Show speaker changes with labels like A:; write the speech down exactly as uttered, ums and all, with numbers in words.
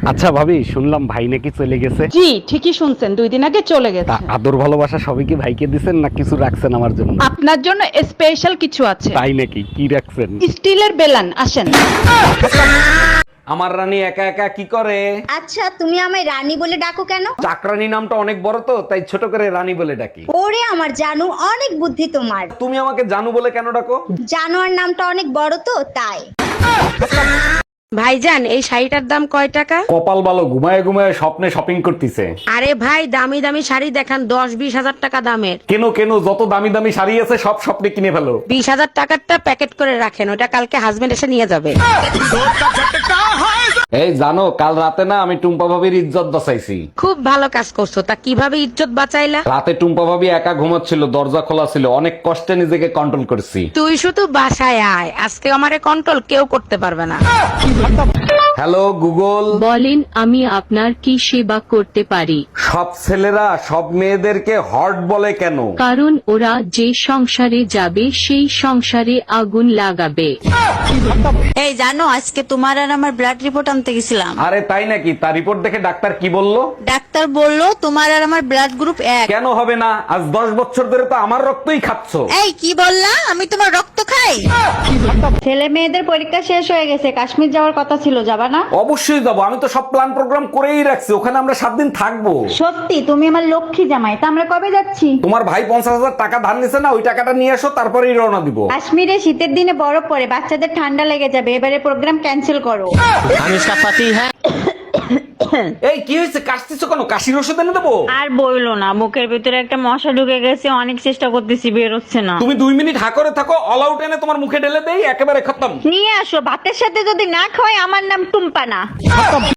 A: আচ্ছা ভাবি, শুনলাম ভাই নাকি চলে গেছে।
B: জি ঠিকই শুনছেন, দুই দিন আগে চলে গেছে।
A: তা আদর ভালোবাসা সবই কি ভাইকে দিছেন না কিছু রাখছেন আমার জন্য?
B: আপনার জন্য স্পেশাল কিছু আছে।
A: তাই নাকি? কি রাখছেন?
B: স্টিলের বেলান, আসেন।
C: আমার রানী একা একা কি করে?
D: আচ্ছা তুমি আমায় রানী বলে ডাকো কেন?
C: চাকরানী নামটা অনেক বড় তো, তাই ছোট করে রানী বলে ডাকি।
D: ওরে আমার জানু, অনেক বুদ্ধি তোমার।
C: তুমি আমাকে জানু বলে কেন ডাকো?
D: জানোয়ার নামটা অনেক বড় তো তাই।
E: ভাইজান এই শাড়িটার দাম কয় টাকা?
C: কপাল ভালো, ঘুমায় ঘুমায় স্বপ্নে শপিং করতেছে।
E: আরে ভাই দামি দামি শাড়ি দেখান, দশ বিশ হাজার টাকা দামের।
C: কেন কেন, যত দামি দামি শাড়ি আছে সব স্বপ্নে কিনে ফেলো।
E: বিশ হাজার টাকারটা প্যাকেট করে রাখেন, ওটা কালকে হাজবেন্ড এসে নিয়ে যাবে।
C: এই জানো, কাল রাতে না আমি টুম্পা ভাবির ইজ্জত বাঁচাইছি।
E: খুব ভালো কাজ করছো, তা কিভাবে ইজ্জত বাঁচাইলা?
C: রাতে টুম্পা ভাবি একা ঘুমাচ্ছিল, দরজা খোলা ছিল, অনেক কষ্টে নিজেকে কন্ট্রোল করছি।
E: তুই শুধু বাসায় আয়, আজকে আমারে কন্ট্রোল কেউ করতে পারবে না।
C: Hello Google.
F: বলেন, আমি আপনার কি সেবা করতে পারি?
C: সব ছেলেরা সব মেয়েদেরকে হট বলে কেন?
F: কারণ ওরা যে সংসারে যাবে সেই সংসারে আগুন লাগাবে।
G: এই জানো, আজকে তোমার আর আমার ব্লাড রিপোর্ট আনতে গেছিলাম।
C: আরে তাই নাকি? তার রিপোর্ট দেখে ডাক্তার কি বললো?
G: ডাক্তার বললো তোমার আর আমার ব্লাড গ্রুপ এক।
C: কেন হবে না? আজ দশ বছর ধরে তো আমার রক্তই খাচ্ছ।
G: এই কি বললা? আমি তোমার রক্ত খাই?
D: ছেলে মেয়েদের পরীক্ষা শেষ হয়ে গেছে, কাশ্মীর যাওয়ার কথা ছিল, যাবা না?
C: অবশ্যই যাবো, আমি তো সব প্ল্যান প্রোগ্রাম করেই রাখছি, ওখানে আমরা সাত দিন থাকবো।
D: সত্যি? তুমি আমার লক্ষ্মী জামাই, তা আমরা কবে যাচ্ছি?
C: তোমার ভাই পঞ্চাশ হাজার টাকা ধার নিছে না, ওই টাকাটা নিয়ে আসো, তারপরেই রওনা দিব।
D: কাশ্মীরে শীতের দিনে বরফ পড়ে, বাচ্চাদের ঠান্ডা লেগে যাবে, এবারে প্রোগ্রাম ক্যান্সেল করো।
C: এই কি হয়েছে, কাশতেছো কেন? কাশির ওষুধ এনে দেবো?
H: আর বইলো না, বুকের ভিতরে একটা মশা ঢুকে গেছে, অনেক চেষ্টা করতেছি, বের হচ্ছে না।
C: তুমি দুই মিনিট হা করে থাকো, অল আউট এনে তোমার মুখে ঢেলে দেই, একেবারে খতম।
H: নিয়ে আসো, ভাতের সাথে যদি না খাওয়াই আমার নাম টুম্পা না।